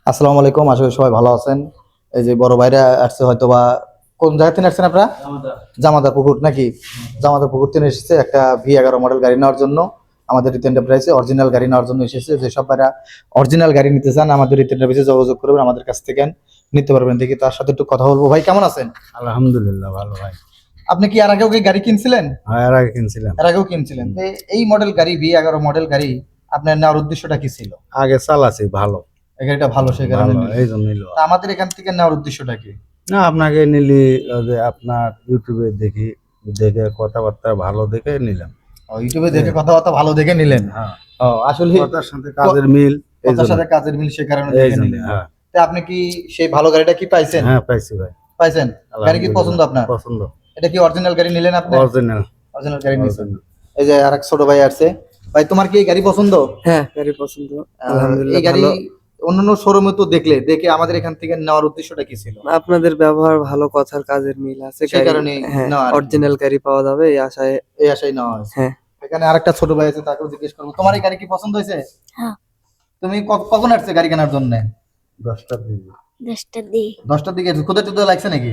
আসসালামু আলাইকুম, আশা করি সবাই ভালো আছেন। এই যে বড় ভাইরা আসছে, হয়তো বা কোন জায়গা থেকে আসছেন আপনারা? জামাদার পুকুর নাকি? জামাদার পুকুর থেকে এসেছে একটা V11 মডেল গাড়ি নেওয়ার জন্য। আমাদের রিত এন্টারপ্রাইজে অরিজিনাল গাড়ি নেওয়ার জন্য এসেছে। যেসব ভাইরা অরিজিনাল গাড়ি নিতে চান আমাদের রিত এন্টারপ্রাইজে যোগাযোগ করবেন, আমাদের কাছ থেকে নিতে পারবেন। দেখি তার সাথে একটু কথা বলবো। ভাই কেমন আছেন? আলহামদুলিল্লাহ ভালো ভাই। আপনি কি এর আগেও কি গাড়ি কিনছিলেন? হ্যাঁ, এর আগে কিনছিলাম। এর আগেও কিনছিলেন। তো এই মডেল গাড়ি V11 মডেল গাড়ি আপনার নেওয়ার উদ্দেশ্যটা কি ছিল? আগে চালাছি ভালো। এই গাড়িটা ভালো, সেই কারণে ভালো, নিলেন। এই জন্য নিল। তা আমাদের এখান থেকে নেওয়ার উদ্দেশ্যটা কি? না, আপনাকে নিলি যে আপনার ইউটিউবে দেখে কথাবার্তা ভালো দেখে নিলাম। ইউটিউবে দেখে কথাবার্তা ভালো দেখে নিলেন। হ্যাঁ, আসলে কথার সাথে কাজের মিল, এই কথার জন্য। সাথে কাজের মিল, সে কারণে এই দেখে জন্য, নিলেন। হ্যাঁ। তা আপনি কি সেই ভালো গাড়িটা কি পাইছেন? হ্যাঁ, পাইছি ভাই। পাইছেন? গাড়ি কি পছন্দ আপনার? পছন্দ। এটা কি অরিজিনাল গাড়ি নিলেন আপনি? অরিজিনাল। অরিজিনাল গাড়ি নিছেন। এই যে আরেক ছোট ভাই আসছে। ভাই তোমার কি এই গাড়ি পছন্দ? হ্যাঁ, গাড়ি পছন্দ। এই আলহামদুলিল্লাহ গাড়ি ভালো। অন্যান্য শোরুমে তো দেখে আমাদের এখান থেকে নেওয়ার উদ্দেশ্যটা কি ছিল? আপনাদের ব্যবহার ভালো, কথার কাজের মিল আছে। সেই কারণে হ্যাঁ, নেওয়া আর কি। অরিজিনাল গাড়ি পাওয়া যাবে এই আশায়। এই আশাই নেওয়া হয়েছে। হ্যাঁ। এখানে আরেকটা ছোট ভাই আছে, তাকেও জিজ্ঞেস করবো, তোমার এই গাড়ি কি পছন্দ হয়েছে? হ্যাঁ। তুমি কখন আসছে গাড়ি কেনার জন্য? 10টার দিকে। 10টার দিকে। 10টার দিকে ক্ষুদা টুদা লাগছে নাকি?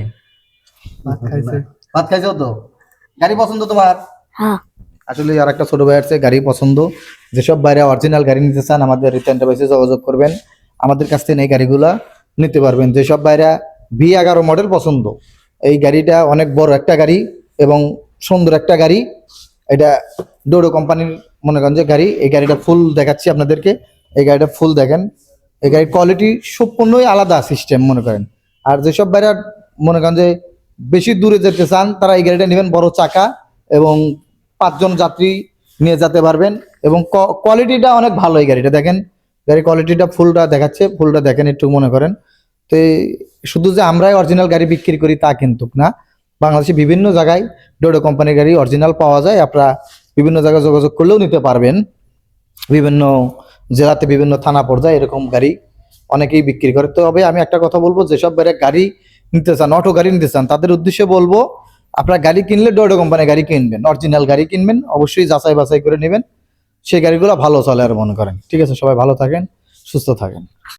ভাত খাইছো তো? গাড়ি পছন্দ তোমার? হ্যাঁ। আসলে আর একটা ছোট ভাই আছে, গাড়ি পছন্দ। যেসব বাইরে অরিজিনাল গাড়ি নিতে চান আমাদের রিত এন্টারপ্রাইজে যোগাযোগ করবেন, আমাদের কাছ থেকে এই গাড়িগুলা নিতে পারবেন। যেসব বাইরে V11 মডেল পছন্দ, এই গাড়িটা অনেক বড় একটা গাড়ি এবং সুন্দর একটা গাড়ি। এটা ডোডো কোম্পানির মনে করেন যে গাড়ি। এই গাড়িটা ফুল দেখাচ্ছি আপনাদেরকে। এই গাড়িটা ফুল দেখেন। এই গাড়ির কোয়ালিটি সম্পূর্ণই আলাদা সিস্টেম মনে করেন। আর যেসব বাইরে মনে করেন যে বেশি দূরে যেতে চান, তারা এই গাড়িটা নেবেন, বড় চাকা এবং 5 জন যাত্রী নিয়ে যেতে পারবেন। এবং কোয়ালিটিটা অনেক ভালো। এই গাড়িটা দেখেন, গাড়ির কোয়ালিটিটা ফুলটা দেখাচ্ছে, ফুলটা দেখেন একটু মনে করেন। তো শুধু যে আমরাই অরিজিনাল গাড়ি বিক্রি করি তা কিন্তু না, বাংলাদেশে বিভিন্ন জায়গায় ডোডো কোম্পানির গাড়ি অরিজিনাল পাওয়া যায়। আপনারা বিভিন্ন জায়গায় যোগাযোগ করলেও নিতে পারবেন। বিভিন্ন জেলাতে বিভিন্ন থানা পর্যায়ে এরকম গাড়ি অনেকেই বিক্রি করে। তবে আমি একটা কথা বলবো, যেসব গাড়ি নিতে চান, অটো গাড়ি নিতে চান, তাদের উদ্দেশ্যে বলবো, আপনার গাড়ি কিনলে ডোডো কোম্পানির গাড়ি কিনবেন, অরিজিনাল গাড়ি কিনবেন, অবশ্যই যাচাই বাছাই করে নেবেন। সেই গাড়িগুলো ভালো চলে আর মনে করেন। ঠিক আছে, সবাই ভালো থাকেন, সুস্থ থাকেন।